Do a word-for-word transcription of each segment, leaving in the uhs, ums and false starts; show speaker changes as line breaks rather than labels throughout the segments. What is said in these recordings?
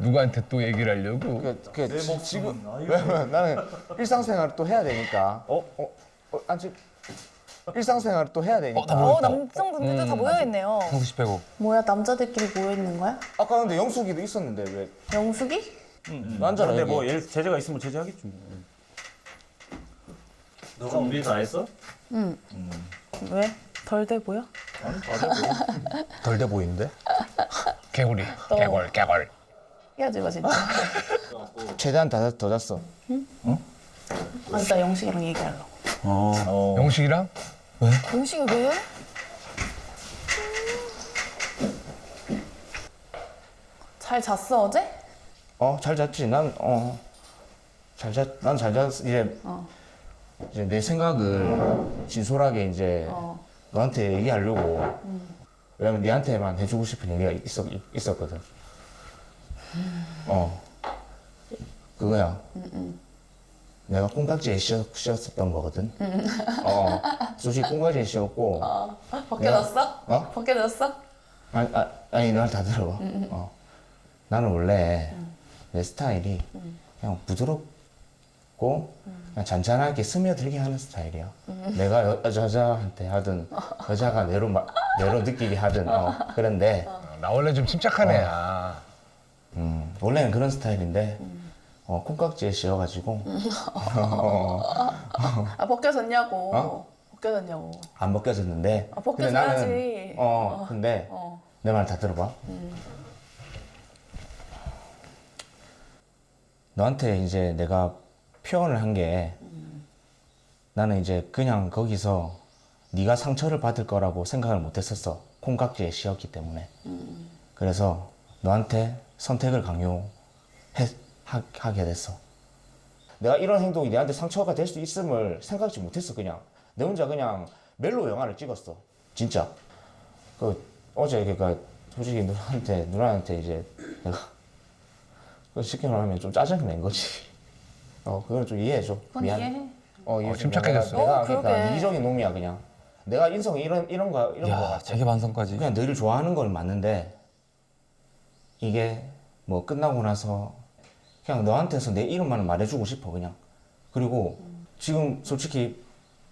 누구한테 또 얘기를 하려고?
그, 그 지, 지금 왜냐면 나는 일상생활을 또 해야 되니까. 어? 어? 어? 아직 일상생활을 또 해야 되니까.
어,
어, 남성분들도 다 모여있네요.
형수 빼고.
뭐야 남자들끼리 모여 있는 거야?
아까 근데 영숙이도 있었는데 왜?
영숙이?
남자라
근데
여기.
뭐 얘 제재가 있으면 제재하겠지 뭐. 너가 위에서 안 했어?
왜? 덜 돼 보여?
덜 돼 보이는데? 개구리. 개골, 개골.
헤어지 마 진짜.
최대한 다, 더 잤어.
아, 나 영식이랑 얘기하려고.
어.
영식이랑?
공식이 왜?
잘 잤어 어제?
어, 잘 잤지. 난 어. 잘 잤. 난 잘 잤어. 이제
어.
이제 내 생각을 진솔하게 이제
어.
너한테 얘기하려고. 왜냐면 니한테만 해주고 싶은 얘기가 있었, 있었거든. 어. 그거야. 내가 콩깍지에 씌었, 씌었었던 거거든. 어. 솔직히 콩깍지에 씌었고.
어. 벗겨졌어?
어?
벗겨졌어?
아니, 아, 아니, 널 다 들어봐. 어. 나는 원래 내 스타일이 그냥 부드럽고 그냥 잔잔하게 스며들게 하는 스타일이야. 내가 여, 여자한테 하든 여자가 내로, 마, 내로 느끼게 하든 어. 그런데
나 원래 좀 침착한 애야.
음, 원래는 그런 스타일인데 어, 콩깍지에 씌워가지고 어,
아 벗겨졌냐고.
어?
벗겨졌냐고.
안 벗겨졌는데.
아,
근데
벗겨져야지.
나는 어, 근데
어.
내 말 다 들어봐. 너한테 이제 내가 표현을 한 게 나는 이제 그냥 거기서 네가 상처를 받을 거라고 생각을 못 했었어. 콩깍지에 씌었기 때문에. 그래서 너한테 선택을 강요하게 됐어. 내가 이런 행동이 내한테 상처가 될 수 있음을 생각지 못했어. 그냥 내 혼자 그냥 멜로 영화를 찍었어. 진짜. 그 어제 그니까 솔직히 누나한테 누나한테 이제 내가 그 쉽게 말하면 좀 짜증 낸 거지. 어 그걸 좀 이해해줘.
그건
미안.
이해해.
어, 이해
어,
좀.
침착해졌어.
내가
어,
그러니까
그러게.
이기적인 놈이야 그냥. 내가 인성이 이런 이런 거 이런 거
야,
같아.
자기 반성까지.
그냥 너를 좋아하는 건 맞는데 이게 뭐 끝나고 나서 그냥 너한테서 내 이름만 말해주고 싶어 그냥. 그리고 지금 솔직히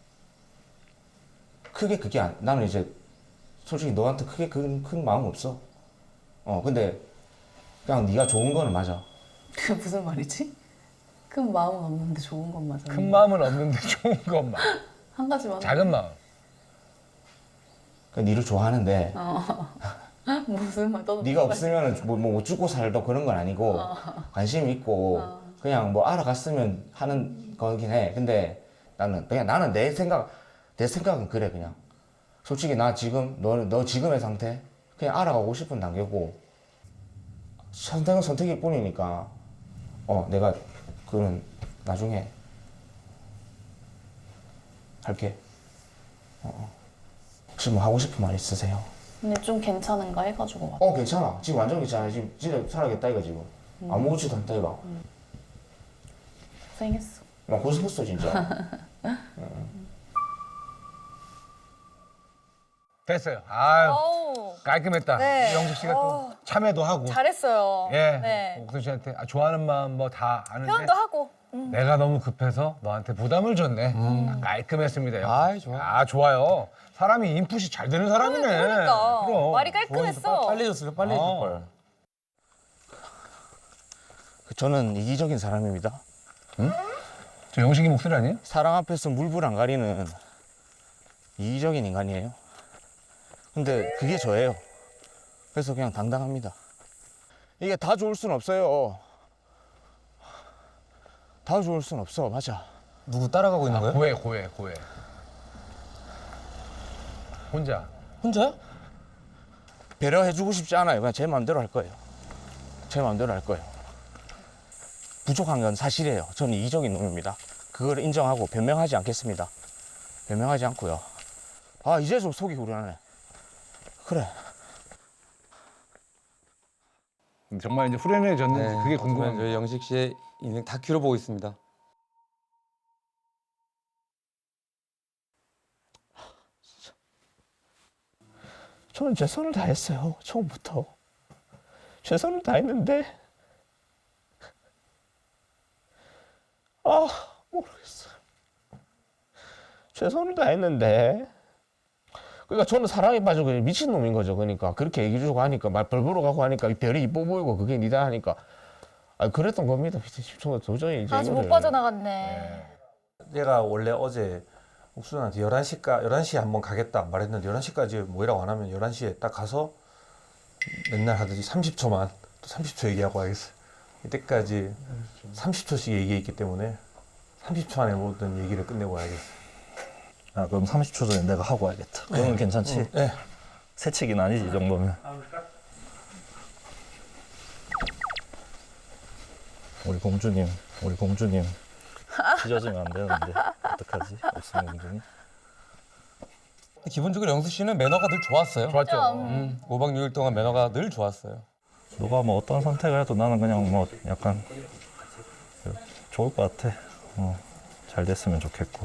크게 그게 안, 나는 이제 솔직히 너한테 크게 큰, 큰 마음 없어. 어 근데 그냥 네가 좋은 거는 맞아.
그게 무슨 말이지? 큰 마음은 없는데 좋은 건 맞아.
큰 마음은 없는데 좋은 것만.
한 가지만.
작은 마음.
그 니를 좋아하는데
무슨 말? 너도
네가
무슨 말-
없으면 뭐, 뭐못 죽고 살도 그런 건 아니고 관심 있고 그냥 뭐 알아갔으면 하는 거긴 해. 근데 나는 그냥 나는 내 생각 내 생각은 그래 그냥. 솔직히 나 지금 너 너 지금의 상태 그냥 알아가고 싶은 단계고 선택은 선택일 뿐이니까 어 내가 그는 나중에 할게. 어, 어. 혹시 뭐 하고 싶은 말 있으세요?
근데 좀 괜찮은가 해가지고 왔
어 괜찮아. 지금 완전 괜찮아. 지금 진짜 살아겠다 이거 지금. 아무렇지도 않다 이거.
고생했어.
나 고생했어 진짜.
됐어요. 아유,
어우,
깔끔했다.
네.
영식 씨가 또
어.
참여도 하고.
잘했어요.
예.
네.
옥순 씨한테 아, 좋아하는 마음 뭐 다 아는데.
표현도 하고. 음.
내가 너무 급해서 너한테 부담을 줬네. 깔끔했습니다. 영식
아이,
씨.
좋아.
아, 좋아요. 사람이 인풋이 잘 되는 사람이네.
그러니까.
그럼.
말이 깔끔했어.
빨리 줬으면 빨리
어.
해줄 걸.
저는 이기적인 사람입니다.
저 영식이 목소리 아니에요?
사랑 앞에서 물불 안 가리는 이기적인 인간이에요. 근데 그게 저예요. 그래서 그냥 당당합니다. 이게 다 좋을 순 없어요. 다 좋을 순 없어. 맞아.
누구 따라가고 있는 거예요?
고해, 고해, 고해. 혼자.
혼자요?
배려해주고 싶지 않아요. 그냥 제 마음대로 할 거예요. 제 마음대로 할 거예요. 부족한 건 사실이에요. 저는 이기적인 놈입니다. 그걸 인정하고 변명하지 않겠습니다. 변명하지 않고요. 아 이제 좀 속이 후련하네. 그래.
정말 이제 후련해졌는지
네.
그게
어쩌면
궁금한
저희 영식 씨의 인생 다큐로 보고 있습니다.
저는 최선을 다했어요. 처음부터. 최선을 다했는데 아 모르겠어요. 최선을 다했는데. 그러니까 저는 사랑에 빠져 그냥 미친 놈인 거죠. 그러니까 그렇게 얘기 주고 하니까 말 벌벌어 가고 하니까 이 별이 이뻐 보이고 그게 니다 하니까 아 그랬던 겁니다. 저 도저히 이제
아직 못
이거를-
빠져나갔네.
내가 원래 어제 옥순한테 열한 시까 열한 시에 한번 가겠다 말했는데 열한 시까지 모이라고 안 하면 열한 시에 딱 가서 맨날 하듯이 삼십 초만 또 삼십 초 얘기하고 와야겠어. 이때까지 삼십 초씩 얘기했기 때문에 삼십 초 안에 모든 얘기를 끝내고 와야겠어.
아 그럼 삼십 초 전에 내가 하고 와야겠다. 그러면 괜찮지?
네.
새치기는 아니지 이 정도면. 우리 공주님, 우리 공주님 찢어지면 안 되는데 어떡하지? 옥순 공주님.
기본적으로 영수 씨는 매너가 늘 좋았어요.
좋았죠.
음, 오 박 육 일 동안 매너가 늘 좋았어요.
누가 뭐 어떤 선택을 해도 나는 그냥 뭐 약간 그 좋을 것 같아. 어, 잘 됐으면 좋겠고.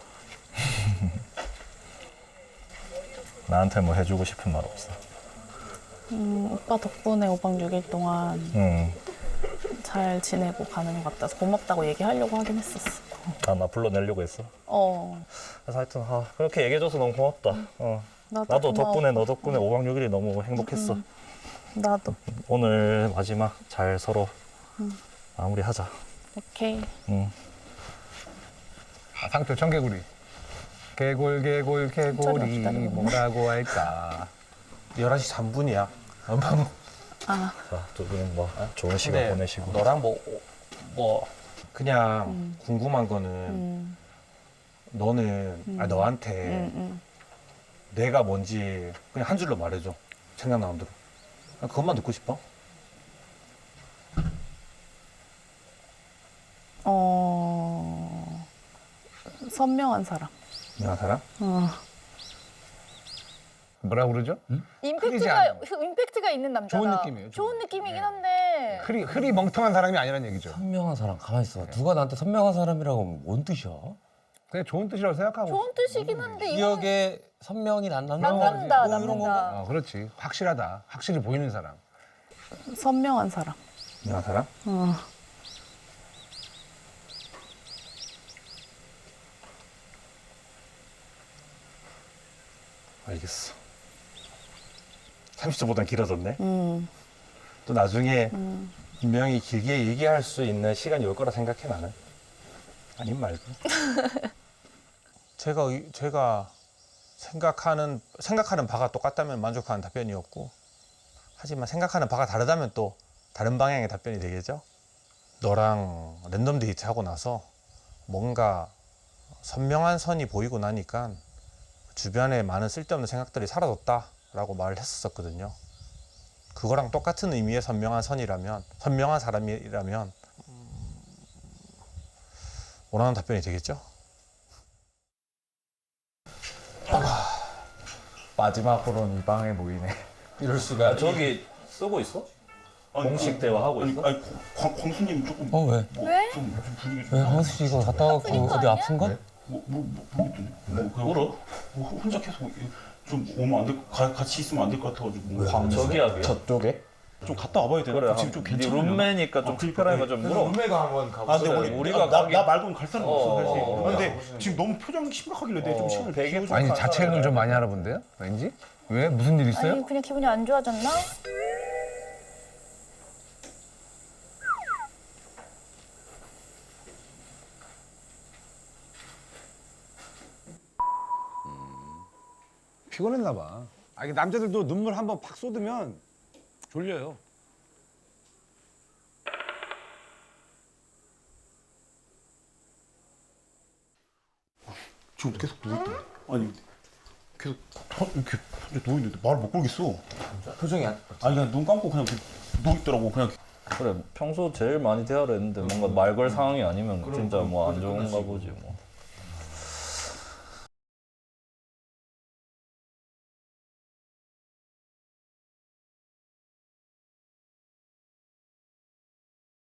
나한테 뭐 해주고 싶은 말 없어.
음, 오빠 덕분에 오 박 육 일 동안
응.
잘 지내고 가는 것 같아서 고맙다고 얘기하려고 하긴 했었어.
아, 나 불러내려고 했어.
어,
그래서 하여튼 아, 그렇게 얘기해줘서 너무 고맙다. 어.
나도,
나도
고마워.
덕분에 너 덕분에 오 박 육 일이 너무 행복했어.
나도.
오늘 마지막 잘 서로 마무리하자.
오케이.
응.
아, 상표 청개구리. 개골 개골 개골이
기다려.
뭐라고 할까.
열한 시 삼 분이야.
아,
자, 두 분 뭐 좋은 시간
근데
보내시고.
너랑 뭐, 뭐 그냥 궁금한 거는
음,
너는 아 너한테
음, 음.
내가 뭔지 그냥 한 줄로 말해줘. 생각나는 대로. 난 그것만 듣고 싶어.
어, 선명한 사람.
내가 사람?
어.
뭐라 그러죠? 흐리지
임팩트가
않아요.
임팩트가 있는 남자다.
좋은 느낌이에요, 좋은
좋은 느낌이긴 한데.
흐리 흐리 멍텅한 사람이 아니라는 얘기죠.
선명한 사람 가만히 있어. 누가 나한테 선명한 사람이라고 하면 뭔 뜻이야?
그냥 좋은 뜻이라고 생각하고.
좋은 뜻이긴 한데 이거
기억에 선명이 안 남는
남는다,
뭐 이런 건가?
남는다.
어, 그렇지. 확실하다. 확실히 보이는 사람.
선명한 사람.
내가 사람?
어.
알겠어. 삼십 초보단 길어졌네.
음,
또 나중에
음.
분명히 길게 얘기할 수 있는 시간이 올 거라 생각해 나는. 아님 말고. 제가 의- 제가 생각하는 생각하는 바가 똑같다면 만족하는 답변이었고, 하지만 생각하는 바가 다르다면 또 다른 방향의 답변이 되겠죠. 너랑 랜덤 데이트하고 나서 뭔가 선명한 선이 보이고 나니까 주변에 많은 쓸데없는 생각들이 사라졌다라고 말을 했었거든요. 그거랑 똑같은 의미의 선명한 선이라면, 선명한 사람이라면 음, 원하는 답변이 되겠죠?
마지막으로는 이 방에 모이네.
이럴 수가.
저기 쓰고 있어? 공식 대화하고 있어?
아니, 광, 광수님 조금
어 왜?
왜?
좀, 좀 분위기
왜 황수 씨 이거 갔다 와갖고
아픈 거
어디
아니야?
아픈가?
뭐, 뭐, 뭐, 모르겠더니 뭐, 그냥 울어? 뭐, 혼자 계속 좀 오면 안 될, 가, 같이 있으면 안 될 것 같아가지고
광 저기야.
저쪽에?
좀 갔다 와봐야 되나?
그래.
지금 좀
네
괜찮으려나?
룸메니까 좀
아, 그러니까,
특별하니까 좀 물어.
룸메가 한번 가보자.
아 근데 원래
우리가
나, 나,
가기-
나 말고는 갈 사람이 없어
어,
사실.
어,
아, 근데 지금 너무 표정이 심각하길래 내가 좀
어,
시간을
되게
비워줘.
아니 자책을 좀 많이 하나 본데요? 왠지? 왜? 무슨 일 있어요?
아니 그냥 기분이 안 좋아졌나?
피곤했나 봐. 아, 이게 남자들도 눈물 한번 팍 쏟으면 졸려요.
지금 계속 누워있다. 아니 계속 터- 이렇게 혼자 누워있는데 말을 못 걸겠어.
표정이 안.
아니 그냥 눈 감고 그냥 이렇게 누워있더라고. 그냥
그래 평소 제일 많이 대화를 했는데 뭔가 말 걸 상황이 아니면 진짜 뭐 안 좋은가 보지 뭐.